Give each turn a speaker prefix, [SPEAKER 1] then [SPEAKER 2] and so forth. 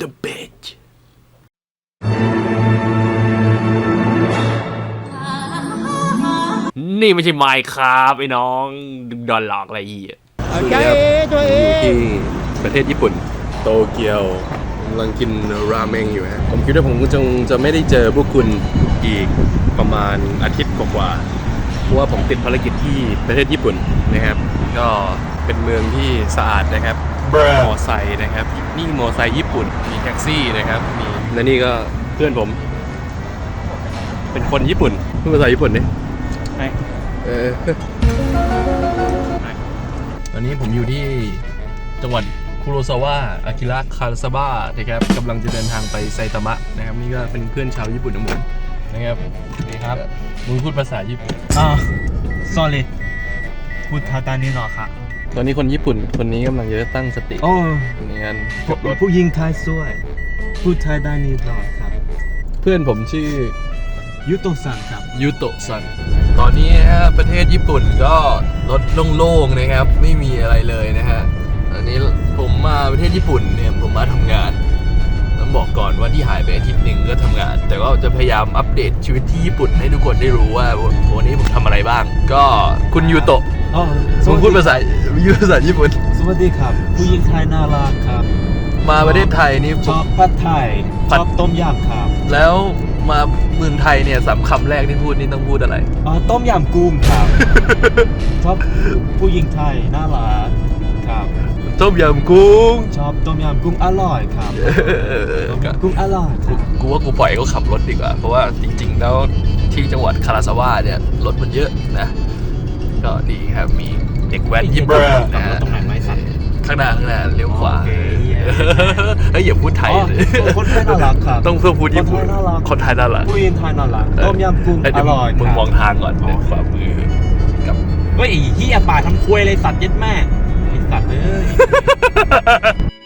[SPEAKER 1] the bitch นี่ไม่ใช่ไมค์ครับไอ้น้องดึงดอนหลอกอะไรอีก
[SPEAKER 2] โอเคตัวเองอยู่ที่ประเทศญี่ปุ่นโตเกียวกำลังกินราเมงอยู่ฮะผมคิดว่าผมจะไม่ได้เจอพวกคุณอีกประมาณอาทิตย์กว่าเพราะว่าผมติดภารกิจที่ประเทศญี่ปุ่นนะครับก็เป็นเมืองที่สะอาดนะครับมอไซค์นะครับนี่มอไซค์ญี่ปุ่นมีแท็กซี่นะครับมีและนี่ก็เพื่อนผมเป็นคนญี่ปุ่นพูดภาษาญี่ปุ่นนี่ตอนนี้ผมอยู่ที่จังหวัดคุโรซาวะอากิระคาซาบะนะครับกำลังจะเดินทางไปไซตามะนะครับนี่ก็เป็นเพื่อนชาวญี่ปุ่นทั้งหมดนะครับนี่ครับมึงพูดภาษาญี่ปุ่น
[SPEAKER 3] sorry พูดภาษานี้หน่อยค่ะ
[SPEAKER 2] ตอนนี้คนญี่ปุ่นคนนี้กำลังจะตั้งสติในการขับรถ
[SPEAKER 3] ผู้หญิงไทยสวยพูดไทยได้นิดหน่อยครับ
[SPEAKER 2] เพื่อนผมชื่อ
[SPEAKER 3] ยุโตะซังครับ
[SPEAKER 2] ยุโตะซังตอนนี้นะฮะประเทศญี่ปุ่นก็รถโล่งๆนะครับไม่มีอะไรเลยนะฮะตอนนี้ผมมาประเทศญี่ปุ่นเนี่ยผมมาทำงานต้องบอกก่อนว่าที่หายไปอาทิตย์หนึ่งก็ทำงานแต่ก็จะพยายามอัปเดตชีวิตที่ญี่ปุ่นให้ทุกคนได้รู้ว่าวันนี้ผมทำอะไรบ้างก็คุณยูโตะผมพูดภาษาญี่ปุ่น
[SPEAKER 3] สวัสดีครับผู้หญิงไทยน่ารักครับ
[SPEAKER 2] มาประเทศไทยนี่
[SPEAKER 3] ชอบผัดไทยชอบต้มยำครับ
[SPEAKER 2] แล้วมาเมืองไทยเนี่ย3 คำแรกที่พูดนี่ต้องพูดอะไร
[SPEAKER 3] ต้มยำกุ้งครับชอบผู้หญิงไทยน่ารักครับ
[SPEAKER 2] ต้มยำกุ้ง
[SPEAKER 3] ชอบต้มยำกุ้งอร่อยครับกุ้งอร่อย
[SPEAKER 2] กูว่ากูปล่อยเขาขับรถดีกว่าเพราะว่าจริงๆแล้วที่จังหวัดคาราซาวะเนี่ยรถมันเยอะนะก็ดีครับมีเด็กแว้นญี่ปุ่นนะฮะ
[SPEAKER 3] ตรงไหนไม่สัตว์
[SPEAKER 2] ข้างหน้าเลี้ยวขวาเฮ้ยอย่าพูดไทย
[SPEAKER 3] คนไทยน่ารักครับ
[SPEAKER 2] ต้องเพื่อพูดญี่ปุ่นคนไทยน่ารัก
[SPEAKER 3] ผู้หญิงไทยน่ารักต้มยำกุ้งอร่อย
[SPEAKER 2] มึงมองทางก่อนขวามือกับ
[SPEAKER 3] เฮ้ยเหี้ยป่าทำควยเลยสัตว์ยัดแม่ไอ้สัตว์เอ้ย